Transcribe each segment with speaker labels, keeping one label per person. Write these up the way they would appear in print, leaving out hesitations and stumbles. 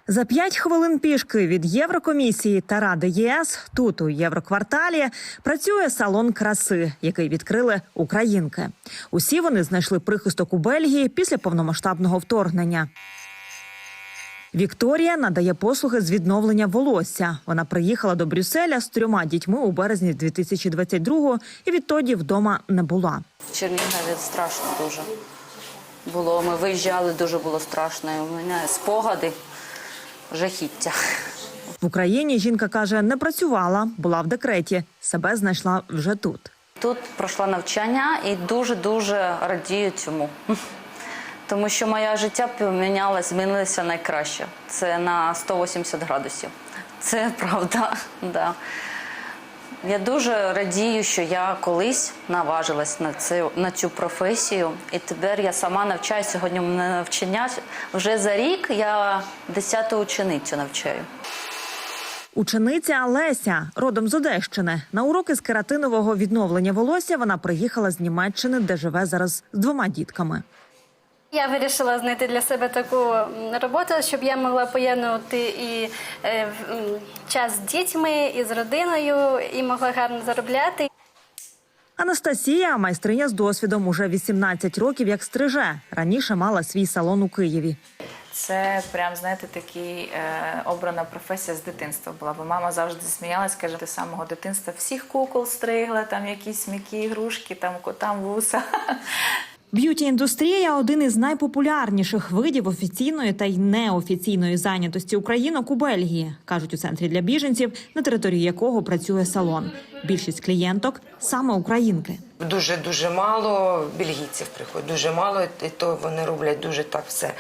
Speaker 1: За 5 хвилин пішки від Єврокомісії та Ради ЄС тут, у Єврокварталі, працює салон краси, який відкрили українки. Усі вони знайшли прихисток у Бельгії після повномасштабного вторгнення. Вікторія надає послуги з відновлення волосся. Вона приїхала до Брюсселя з 3 дітьми у березні 2022-го і відтоді вдома не була.
Speaker 2: В Чернігові страшно дуже було. Ми виїжджали, дуже було страшно. І у мене спогади, жахіття.
Speaker 1: В Україні жінка каже, не працювала, була в декреті. Себе знайшла вже тут.
Speaker 2: Тут пройшла навчання і дуже-дуже радію цьому. Тому що моє життя помінялося, змінилося найкраще. Це на 180 градусів. Це правда, да. Я дуже радію, що я колись наважилась на цю професію. І тепер я сама навчаю. Сьогодні мене навчання. Вже за рік я 10-ту ученицю навчаю.
Speaker 1: Учениця Леся, родом з Одещини. На уроки з кератинового відновлення волосся вона приїхала з Німеччини, де живе зараз з 2 дітками.
Speaker 3: Я вирішила знайти для себе таку роботу, щоб я могла поєднувати і час з дітьми, і з родиною, і могла гарно заробляти.
Speaker 1: Анастасія – майстриня з досвідом, уже 18 років як стриже. Раніше мала свій салон у Києві.
Speaker 4: Це прям, знаєте, такий обрана професія з дитинства була. Бо мама завжди сміялась, каже, з самого дитинства всіх кукол стригла, там якісь м'які ігрушки, там котам вуса.
Speaker 1: Б'юті-індустрія – один із найпопулярніших видів офіційної та й неофіційної зайнятості українок у Бельгії, кажуть у центрі для біженців, на території якого працює салон. Більшість клієнток – саме українки.
Speaker 5: Дуже мало бельгійців приходить, дуже мало, і то вони роблять дуже так все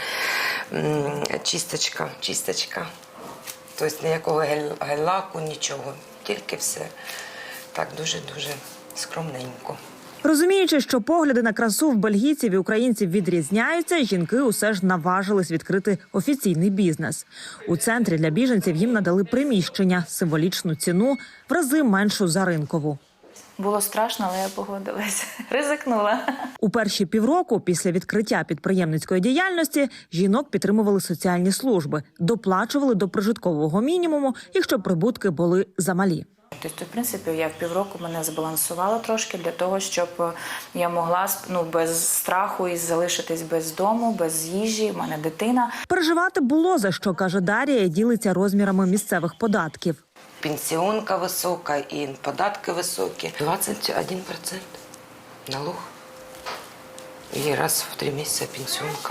Speaker 5: чисточка. Тобто ніякого гель-лаку, нічого, тільки все так дуже-дуже скромненько.
Speaker 1: Розуміючи, що погляди на красу в бельгійців і українців відрізняються, жінки усе ж наважились відкрити офіційний бізнес. У центрі для біженців їм надали приміщення, символічну ціну, в рази меншу за ринкову.
Speaker 4: Було страшно, але я погодилась. Ризикнула.
Speaker 1: У перші півроку після відкриття підприємницької діяльності жінок підтримували соціальні служби, доплачували до прожиткового мінімуму, якщо прибутки були замалі.
Speaker 4: Тобто, в принципі, я в півроку мене збалансувала трошки для того, щоб я могла без страху і залишитись без дому, без їжі, в мене дитина.
Speaker 1: Переживати було за що, каже Дар'я, і ділиться розмірами місцевих податків.
Speaker 5: Пенсіонка висока і податки високі. 21% налог. І раз в 3 місяці пенсіонка.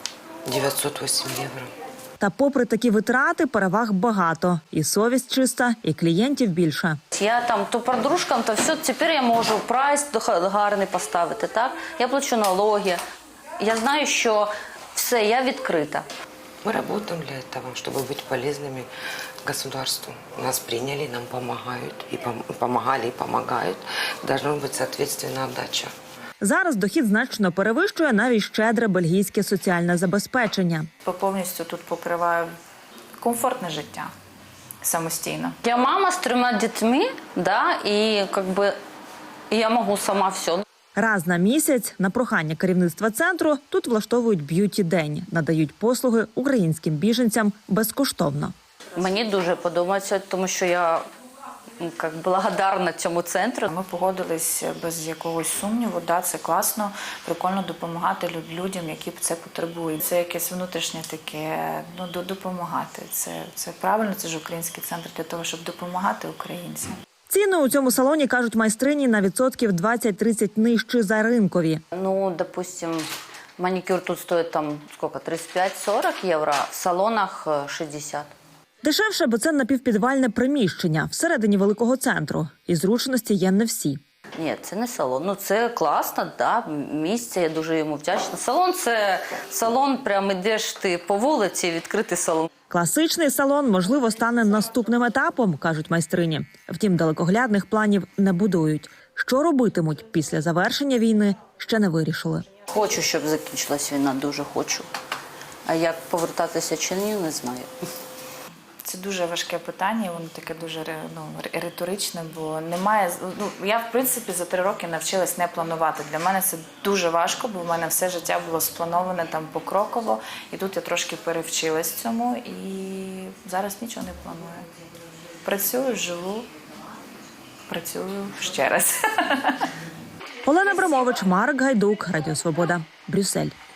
Speaker 5: 908 євро.
Speaker 1: Та попри такі витрати, переваг багато. І совість чиста, і клієнтів більше.
Speaker 2: Я там то подружкам, то все, тепер я можу прайс гарний поставити, так? Я плачу налоги. Я знаю, що все, я відкрита.
Speaker 5: Мы работаем для этого, чтобы быть полезными государству. Нас приняли, нам помогают, и помогали, и помогают. Должна быть соответственная отдача.
Speaker 1: Зараз дохід значно перевищує навіть щедре бельгійське соціальне забезпечення.
Speaker 4: Повністю тут покриваю комфортне життя самостійно.
Speaker 2: Я мама з 3 дітьми, да, і я можу сама все.
Speaker 1: Раз на місяць на прохання керівництва центру тут влаштовують б'юті-день, надають послуги українським біженцям безкоштовно.
Speaker 2: Мені дуже подобається, тому що я благодарна цьому центру.
Speaker 4: Ми погодились без якогось сумніву, да, це класно, прикольно допомагати людям, які це потребують. Це якесь внутрішнє таке, допомагати. Це правильно, це ж український центр для того, щоб допомагати українцям.
Speaker 1: Ціни у цьому салоні, кажуть майстрині, на відсотків 20-30 нижчі за ринкові.
Speaker 2: Допустим, манікюр тут стоїть 35-40 євро, в салонах 60.
Speaker 1: Дешевше, бо це напівпідвальне приміщення всередині великого центру. І зручності є не всі.
Speaker 2: Ні, це не салон. Це класно, да, місце, я дуже йому вдячна. Салон – це салон, прямо йдеш ти по вулиці, відкритий салон.
Speaker 1: Класичний салон, можливо, стане наступним етапом, кажуть майстрині. Втім, далекоглядних планів не будують. Що робитимуть після завершення війни, ще не вирішили.
Speaker 2: Хочу, щоб закінчилась війна, дуже хочу. А як повертатися чи ні, не знаю.
Speaker 4: Це дуже важке питання, і воно таке дуже риторичне, бо немає. Я, в принципі, за 3 роки навчилась не планувати. Для мене це дуже важко, бо в мене все життя було сплановане там покроково, і тут я трошки перевчилась цьому, і зараз нічого не планую. Працюю, живу, працюю ще раз.
Speaker 1: Олена Абрамович, Марк Гайдук, Радіо Свобода, Брюссель.